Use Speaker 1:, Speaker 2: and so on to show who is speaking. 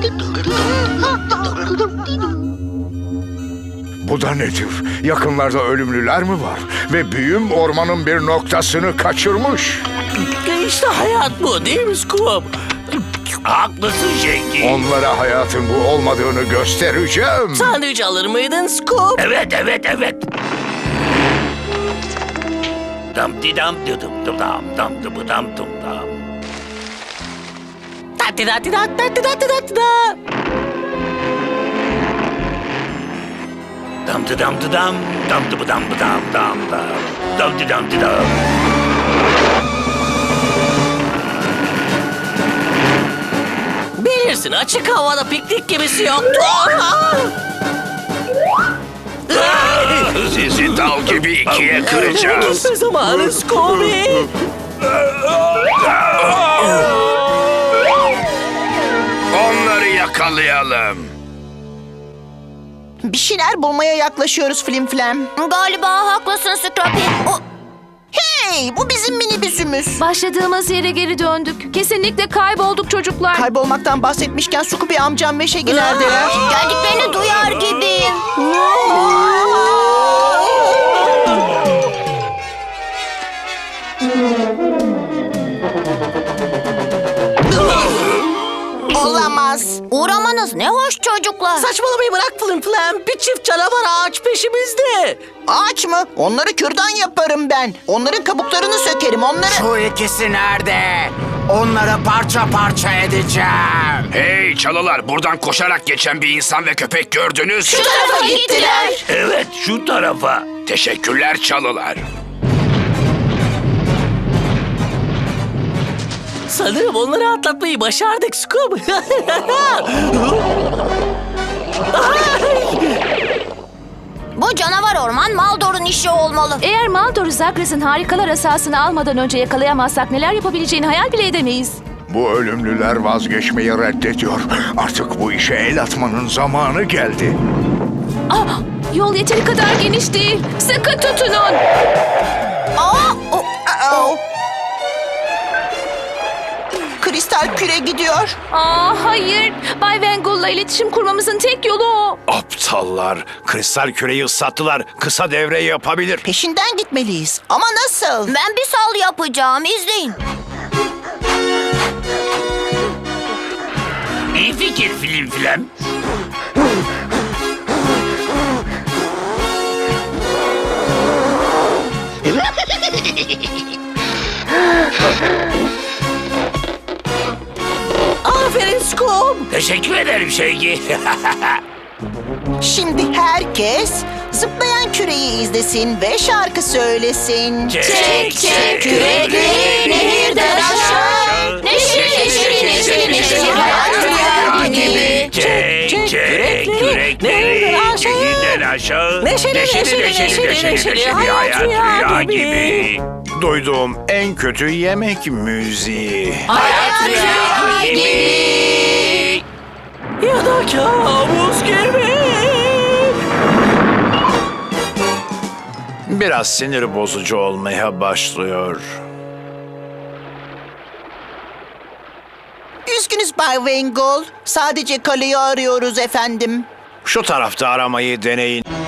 Speaker 1: Bu da nedir? Yakınlarda ölümlüler mi var? Ve büyüm ormanın bir noktasını kaçırmış.
Speaker 2: İşte hayat bu değil mi Scoop?
Speaker 3: Haklısın Şenki.
Speaker 1: Onlara hayatın bu olmadığını göstereceğim.
Speaker 2: Sandviç alır mıydın Scoop?
Speaker 3: Evet. Dam di dam dıdım dım dam dam dıbı dam dum dam.
Speaker 2: Tati tati tati tati tati tati da.
Speaker 3: Dam dı dam dı dam dam dıbı dam dı dam dam dam. Dam di dam di dam.
Speaker 2: Bilirsin açık havada piknik gemisi yoktu.
Speaker 1: Sizi dal gibi ikiye kıracağız.
Speaker 2: Gitme zamanı Scooby.
Speaker 1: Onları yakalayalım.
Speaker 4: Bir şeyler bulmaya yaklaşıyoruz Flimflam.
Speaker 5: Galiba haklısın Scrappy.
Speaker 4: Hey, bu bizim minibüsümüz.
Speaker 6: Başladığımız yere geri döndük. Kesinlikle kaybolduk çocuklar.
Speaker 4: Kaybolmaktan bahsetmişken Scooby amcam ve Shaggy neredeler?
Speaker 5: Geldiklerini duyar gibiyim.
Speaker 4: Olamaz.
Speaker 5: Uğramanız ne hoş çocuklar.
Speaker 2: Saçmalamayı bırak Flimflam. Bir çift canavar ağaç peşimizde.
Speaker 4: Ağaç mı? Onları kürdan yaparım ben. Onların kabuklarını sökerim, onları...
Speaker 7: Şu ikisi nerede? Onları parça parça edeceğim.
Speaker 1: Hey çalılar, buradan koşarak geçen bir insan ve köpek gördünüz.
Speaker 5: Şu tarafa gittiler.
Speaker 3: Evet şu tarafa.
Speaker 1: Teşekkürler çalılar.
Speaker 2: Sanırım onları atlatmayı başardık Scoop.
Speaker 5: Bu canavar orman Maldor'un işi olmalı.
Speaker 6: Eğer Maldor'u Zagras'ın harikalar asasını almadan önce yakalayamazsak neler yapabileceğini hayal bile edemeyiz.
Speaker 1: Bu ölümlüler vazgeçmeyi reddediyor. Artık bu işe el atmanın zamanı geldi.
Speaker 6: Ah, yol yeteri kadar geniş değil. Sıkı tutunun.
Speaker 4: Kristal küre gidiyor.
Speaker 6: Hayır. Bay Vengul'la iletişim kurmamızın tek yolu o.
Speaker 1: Aptallar. Kristal küreyi ıslattılar. Kısa devre yapabilir.
Speaker 4: Peşinden gitmeliyiz. Ama nasıl?
Speaker 5: Ben bir sal yapacağım. İzleyin.
Speaker 3: İyi fikir Flimflam.
Speaker 2: Aferin Scoop.
Speaker 3: Teşekkür ederim Şenki.
Speaker 4: Şimdi herkes zıplayan küreyi izlesin ve şarkı söylesin.
Speaker 3: Çek çek
Speaker 5: kürekleri nehirden aşağı. Neşeli neşeli neşeli neşeli hayat rüya gibi.
Speaker 3: Çek çek kürekleri nehirden aşağı.
Speaker 2: Neşeli, neşeli,
Speaker 3: hayat rüya gibi.
Speaker 1: Duyduğum en kötü yemek müziği.
Speaker 5: Hayat rüya gibi.
Speaker 2: Ya da kabus gibi.
Speaker 1: Biraz sinir bozucu olmaya başlıyor.
Speaker 4: Üzgünüz Bay Vengul. Sadece kaleyi arıyoruz efendim.
Speaker 1: Şu tarafta aramayı deneyin.